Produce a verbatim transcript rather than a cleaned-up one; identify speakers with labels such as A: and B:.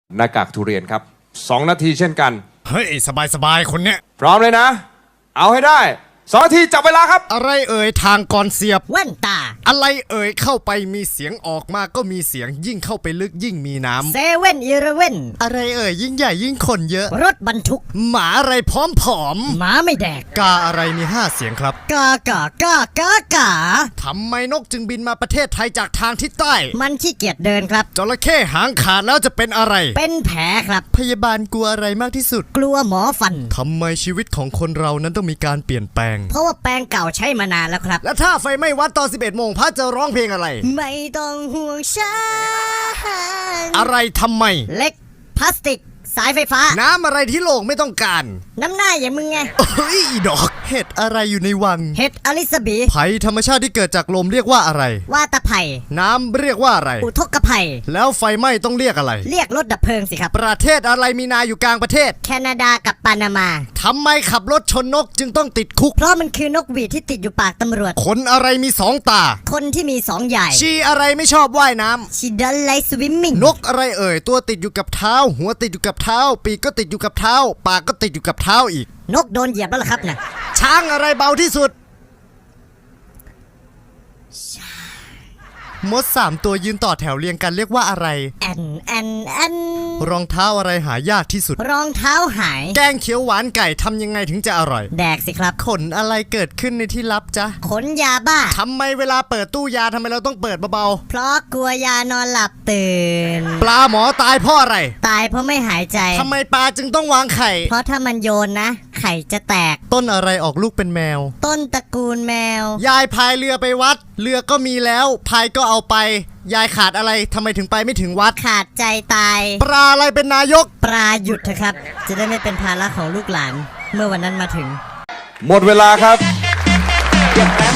A: หน้ากากทุเรียนครับสองนาทีเช่นกัน
B: เฮ้ยสบายสบายคนเนี้ย
A: พร้อมเลยนะเอาให้ได้สองนาทีจับเวลาครับ
B: อะไรเอ่ยทางก่อนเสียบ
C: แว่นตา
B: อะไรเอ่ยเข้าไปมีเสียงออกมาก็มีเสียงยิ่งเข้าไปลึกยิ่งมีน้ำ
C: เซเว่นอีเลฟเว่น
B: อะไรเอ่ยยิ่งใหญ่ยิ่งคนเยอะ
C: รถบรรทุก
B: หมาอะไรพร้อมผอม
C: หมาไม่แดก
B: กาอะไรมีห้าเสียงครับ
C: กากากากากา
B: ทำไมนกจึงบินมาประเทศไทยจากทางทิศใต้
C: มันขี้เกียจเดินครับ
B: จระเข้หางขาดแล้วจะเป็นอะไร
C: เป็นแผลครับ
B: พยาบาลกลัวอะไรมากที่สุด
C: กลัวหมอฟัน
B: ทำไมชีวิตของคนเรานั้นต้องมีการเปลี่ยนแปลง
C: เพราะว่าแปลงเก่าใช้มานานแล้วครับ
B: และถ้าไฟไหม้วัดตอนสิบเอ็ดโมงพระจะร้องเพลงอะไร
C: ไม่ต้องห่วงฉัน
B: อะไรทำไม
C: เล็กพลาสติกสายไฟฟ้า
B: น้ำอะไรที่โลกไม่ต้องการ
C: น้ำหน้าอย่างมึงไง
B: เฮ้ยดอกเห็ดอะไรอยู่ในวัง
C: เห็ดอลิซาบี
B: ภัยธรรมชาติที่เกิดจากลมเรียกว่าอะไร
C: ว่าตะไผ่
B: น้ำเรียกว่าอะไร
C: อุทกภัย
B: แล้วไฟไหม้ต้องเรียกอะไร
C: เรียกรถดับเพลิงสิครับ
B: ประเทศอะไรมีนาอยู่กลางประเทศ
C: แคนาดากับปานามา
B: ทำไมขับรถชนนกจึงต้องติดคุก
C: เพราะมันคือนกหวีดที่ติดอยู่ปากตำรวจ
B: คนอะไรมีสองตา
C: คนที่มีสองใหญ่
B: ชีอะไรไม่ชอบว่ายน้
C: ำชีดันไลสวิมมิ่ง
B: นกอะไรเอ่ยตัวติดอยู่กับเท้าหัวติดอยู่กับเท้าปีกก็ติดอยู่กับเท้าปากก็ติดอยู่กับเท้าอีก
C: นกโดนเหยียบแล้วล่ะครับนะ
B: ช้างอะไรเบาที่สุดมดสามตัวยืนต่อแถวเรียงกันเรียกว่าอะไร
C: แอนแอนแอน
B: รองเท้าอะไรหายากที่สุด
C: รองเท้าหาย
B: แกงเขียวหวานไก่ทำยังไงถึงจะอร่อย
C: แดกสิครับ
B: ขนอะไรเกิดขึ้นในที่ลับจ๊ะ
C: ขนยาบ้า
B: ทำไมเวลาเปิดตู้ยาทำไมเราต้องเปิดเบา
C: ๆเพราะกลัวยานอนหลับตื่น
B: ปลาหมอตายเพราะอะไร
C: ตายเพราะไม่หายใจ
B: ทำไมปลาจึงต้องวางไข่
C: เพราะถ้ามันโยนนะไข่จะแตก
B: ต้นอะไรออกลูกเป็นแมว
C: ต้นตระกูลแมวย
B: ายพายเรือไปวัดเรือก็มีแล้วพายก็เอาไปยายขาดอะไรทำไมถึงไปไม่ถึงวัด
C: ขาดใจตาย
B: ปลาอะไรเป็นนายก
C: ปลาหยุดเถอะครับจะได้ไม่เป็นภาระของลูกหลานเมื่อวันนั้นมาถึง
A: หมดเวลาครับ